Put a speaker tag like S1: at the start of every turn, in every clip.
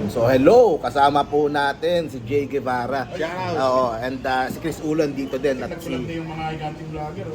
S1: So hello, kasama po natin si Jay Guevara.
S2: Shout
S1: Oo, and si Chris Ulan dito din at
S3: Nagsulat na
S1: si
S3: yung mga giganting vlogger.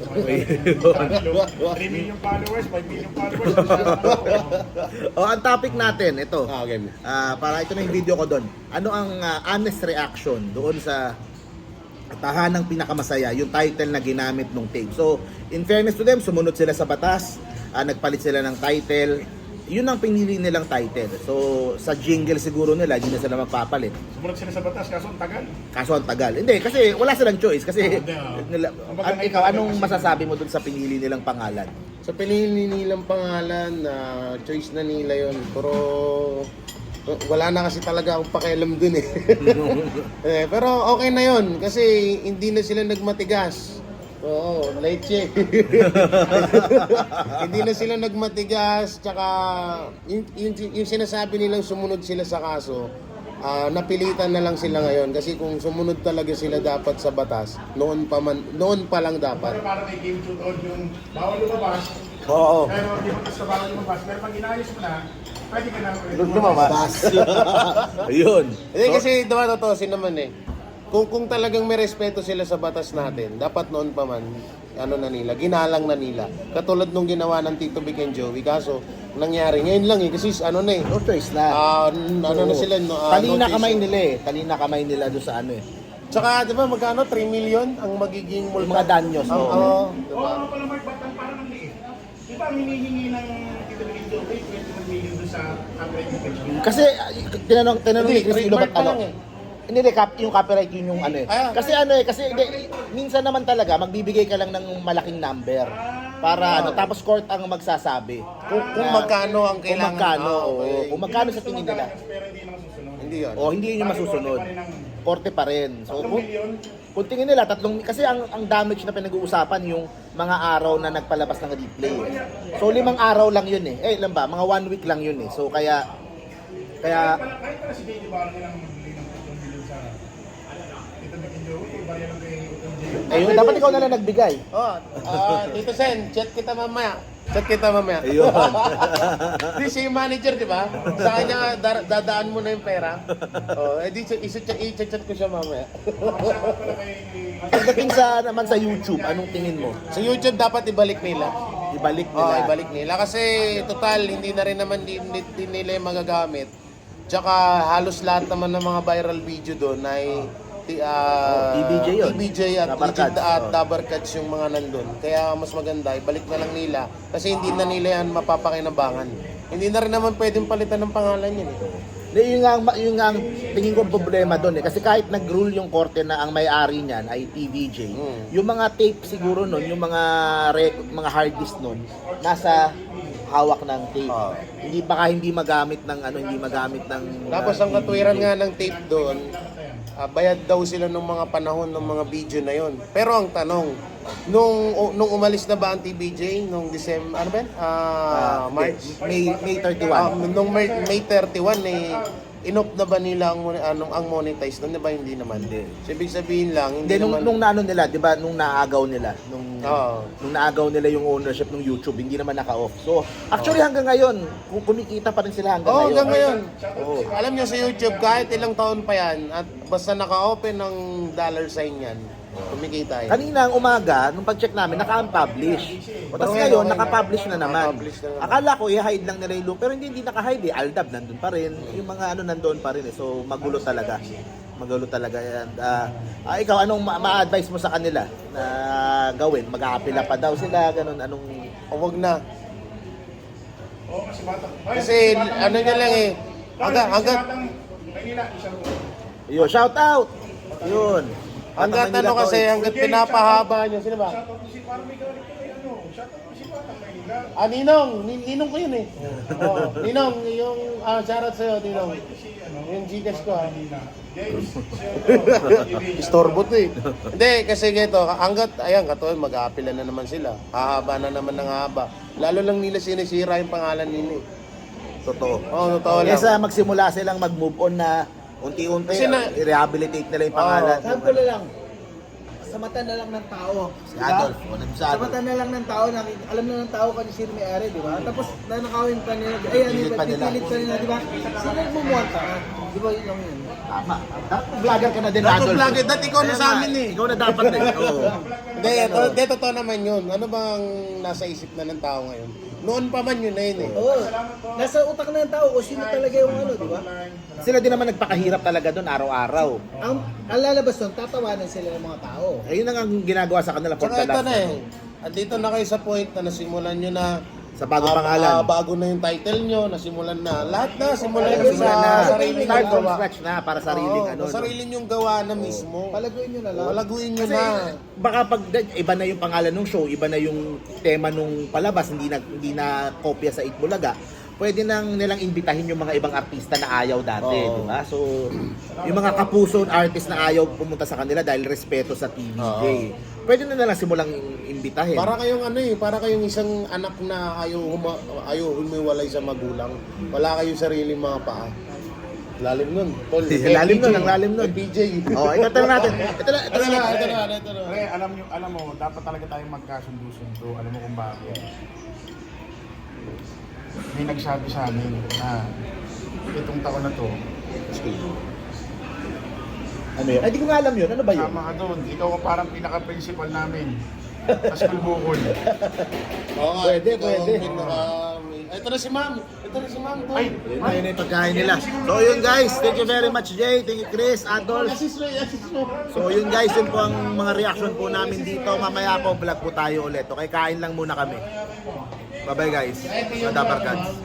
S3: 3 million followers, 5 million followers.
S1: ang topic natin ito.
S2: Okay.
S1: Para ito na yung video ko doon. Ano ang honest reaction doon sa Tahanang Pinakamasaya, yung title na ginamit nung tape. So, in fairness to them, sumunod sila sa batas, nagpalit sila ng title. Yun ang pinili nilang title. So, sa jingle siguro nila, hindi na sila magpapalit.
S3: Sumunod sila sa batas, kaso ang tagal.
S1: Kaso ang tagal. Hindi, kasi wala silang choice. Kasi, nila, ikaw, anong
S3: kasi-
S1: masasabi mo dun sa pinili nilang pangalan?
S2: Sa pinili nilang pangalan, choice na nila yon. Pero wala na kasi talaga akong pakialam dun eh. Pero okay na yon kasi hindi na sila nagmatigas. Oo, leche. Hindi na sila nagmatigas, tsaka yung sinasabi nilang sumunod sila sa kaso, napilitan na lang sila ngayon kasi kung sumunod talaga sila dapat sa batas, noon pa lang dapat.
S3: Pero para kay Game Shoot on yung bawal lumabas,
S1: Oo.
S3: pero di ba sa bawal lumabas, pero pag inayos mo na, pwede ka na
S1: Lumabas. Ayun.
S2: Hindi kasi diba totoosin naman eh. Kung talagang may respeto sila sa batas natin, dapat noon pa man, ginalang na nila. Katulad nung ginawa ng Tito Vic and Joey, kaso nangyari ngayon lang eh, kasi ano na eh.
S1: No choice na.
S2: Na sila,
S1: Talina
S2: notice.
S1: kamay nila eh. Talina kamay nila doon sa ano eh.
S2: Tsaka di ba magkano, 3 million ang magiging
S1: Yung mga danyos.
S2: Oo,
S1: Oo.
S2: diba?
S3: Oo, pala Mark, ba't ang parang ang liit? Di ba ang hinihingi ng Tito Vic and Joey, 21 million doon sa copyright infringement?
S1: Kasi tinanong ni
S2: Hindi,
S1: Chris Ulo ba't
S2: trademark pa
S1: ano?
S2: lang eh.
S1: Hindi, yung copyright yun yung ano eh. Kasi hindi, minsan naman talaga magbibigay ka lang ng malaking number para tapos court ang magsasabi.
S2: Kung magkano ang
S1: Kung
S2: kailangan.
S1: magkano,
S2: Okay.
S1: kung magkano sa tingin nila.
S3: Pero hindi na masusunod.
S2: Hindi yun.
S1: O hindi yun yung masusunod. Korte pa rin. So,
S3: 3 million,
S1: kung tingin nila, kasi ang damage na pinag-uusapan yung mga araw na nagpalabas ng replay. So 5 araw lang yun eh. Ilan ba? Mga 1 week lang yun eh. So kaya
S3: kahit pala si JD Barra nilang magbili ng 3 million sa Tito Vic and Joey, barya lang kay Utong
S1: ayun, dapat ikaw na lang nagbigay.
S2: Tito Sen, chat kita mamaya.
S1: Ayun.
S2: Di siya yung manager, di ba? Sa kanya, dadaan mo na yung pera. I-chat ko siya mamaya.
S1: Pagdating naman sa YouTube, anong tingin mo?
S2: Sa YouTube, dapat ibalik nila.
S1: Ibalik nila.
S2: Ibalik nila. Kasi, total, hindi na rin naman din nila yung magagamit. Tsaka, halos lahat naman ng mga viral video doon ay
S1: TBJ yun.
S2: TBJ at
S1: Dabar
S2: Legit
S1: Cats.
S2: at Dabar Cats yung mga nandun. Kaya mas maganda, ibalik na lang nila. Kasi hindi na nila yan mapapakinabangan. Hindi na rin naman pwedeng palitan ng pangalan yun.
S1: Yun nga ang tingin ko problema doon eh. Kasi kahit nag-rule yung korte na ang may-ari niyan ay TVJ, yung mga tape siguro nun, yung mga hard disk nun, nasa hawak ng tape. Hindi magamit ng
S2: Tapos ang katwiran nga ng tape doon, bayad daw sila ng mga panahon ng mga video na yon. Pero ang tanong, nung umalis na ba ang TBJ nung December, ano ba? March?
S1: May 31.
S2: Nung May 31 inop na ba nila ang monetize doon? Diba hindi naman? So, ibig sabihin lang, hindi naman.
S1: Nung naano nila, 'di ba, nung naagaw nila, nung naagaw nila yung ownership ng YouTube, hindi naman naka-off. So, actually hanggang ngayon, kumikita pa rin sila hanggang ngayon.
S2: Hanggang ngayon.
S1: Oo.
S2: Alam niyo sa YouTube, kahit ilang taon pa yan, at basta naka-open ng dollar sign yan, kumikita yan.
S1: Kanina ang umaga, nung pag-check namin, naka-unpublish. Tapos
S2: Okay,
S1: ngayon,
S2: okay.
S1: naka-publish na naman.
S2: Naka-publish na naman.
S1: Akala ko, i-hide lang nila yung loop. Pero hindi naka-hide eh. Aldab, nandun pa rin. Yung mga nandoon pa rin eh. So, magulo talaga. And, ikaw, anong ma-advise mo sa kanila na gawin? Mag-aapila pa daw sila? Ganun, anong...
S2: O wag na.
S3: Oo, kasi bata.
S2: Kasi ano niya lang eh, hanggang
S3: Maynila, isang
S1: Yun, shout out! Yun.
S2: hanggat ano kasi, hanggat pinapahaba niya, sino ba?
S3: shoutout mo si parang may galit ko kay ano. Shoutout mo si Batang Maynila.
S2: Ninong, Ninong ko yun eh. Ninong, yung shoutout sa'yo, Ninong. Yung Gcash ko
S3: James,
S2: Istorbo to eh. Hindi, kasi ganito, hanggat, ayan, katulad, mag-aapila na naman sila. Hahaba na naman ng haba. Lalo lang nila sinisira yung pangalan nila eh.
S1: Totoo.
S2: Totoo lang.
S1: Kesa magsimula silang mag-move on na unti-unti,
S2: Kasi
S1: i-rehabilitate nila yung pangalan.
S4: Sample na lang. Sa mata na lang ng tao.
S1: Si
S4: Diba?
S1: Adolf. O, nandun sa
S4: Sa
S1: Adolf.
S4: mata na lang ng tao, alam na ng tao kung sino may-ari, di ba? Tapos nanakawin pa nila, ay ano,
S1: Pipilit pa nila.
S4: pipilit pa nila, di ba? Sino bumuwanta ka? Di ba yun lang yun?
S1: Tama. Dapat vlogger ka na din,
S2: Dapat
S1: Adolfo.
S2: vlogger. Dati ikaw na
S1: Kaya
S2: sa
S1: nga,
S2: amin eh.
S1: Ikaw na dapat eh. Oo.
S2: Hindi, totoo naman yun. Ano bang nasa isip na ng tao ngayon? Noon pa man yun na yun eh.
S4: Oo. Nasa utak na ng tao kung sino talaga yung ano, di ba?
S1: Sila din naman nagpakahirap talaga doon araw-araw.
S4: Ang lalabas doon, tatawanan sila ng mga tao.
S1: Ayun ang ginagawa sa kanila for
S2: Tsaka
S1: the
S2: ito
S1: last
S2: na eh. At dito na kayo sa point na nasimulan nyo na
S1: sa bagong pangalan.
S2: bago na yung title nyo, nasimulan na. Lahat na, simulan nyo
S1: Nasimulan
S2: sa
S1: na.
S2: sarili
S1: Start
S2: nyong
S1: from
S2: gawa.
S1: scratch na para sariling
S2: Oo,
S1: ano.
S2: sa sarili nyong gawa na mismo.
S4: Palaguin nyo na lang.
S2: Palaguin nyo
S1: Kasi
S2: na.
S1: baka pag iba na yung pangalan ng show, iba na yung tema nung palabas, hindi na kopya sa Itbulaga. Pwede nang nilang imbitahin yung mga ibang artista na ayaw dati,
S2: Oo.
S1: di ba? So, yung mga kapuso artist na ayaw pumunta sa kanila dahil respeto sa TVJ. Pwede na nilang simulang imbitahin.
S2: Para kayong ano eh, para kayong isang anak na ayaw humiwalay sa magulang. Wala kayong sariling mga paa. Lalim nun. Tol.
S1: Lalim nun, ang lalim nun.
S2: PJ.
S1: Oh, ito natin. Ito na.
S3: Pre, alam mo, dapat talaga tayong magkasundo-sundo. Alam mo kung bakit. May nagsabi sa amin na itong taon na to,
S1: Ano yun? Ay, di ko nga alam yun. Ano ba yun?
S3: sama ka doon. Ikaw ang parang pinaka-principal namin. Paskul Bukol.
S2: Oo nga,
S1: Pwede,
S2: ikaw
S1: pwede.
S2: ang ito na si ma'am. Ito na si ma'am. Tol.
S3: Ay,
S1: Yun na yung pagkain nila. So yun guys, thank you very much Jay, thank you Chris, Adolf.
S2: Assist mo.
S1: So yun guys, yun po ang mga reaction po namin dito. Mamaya po vlog po tayo ulit. Okay, kain lang muna kami. Bye bye guys. Madabarkads.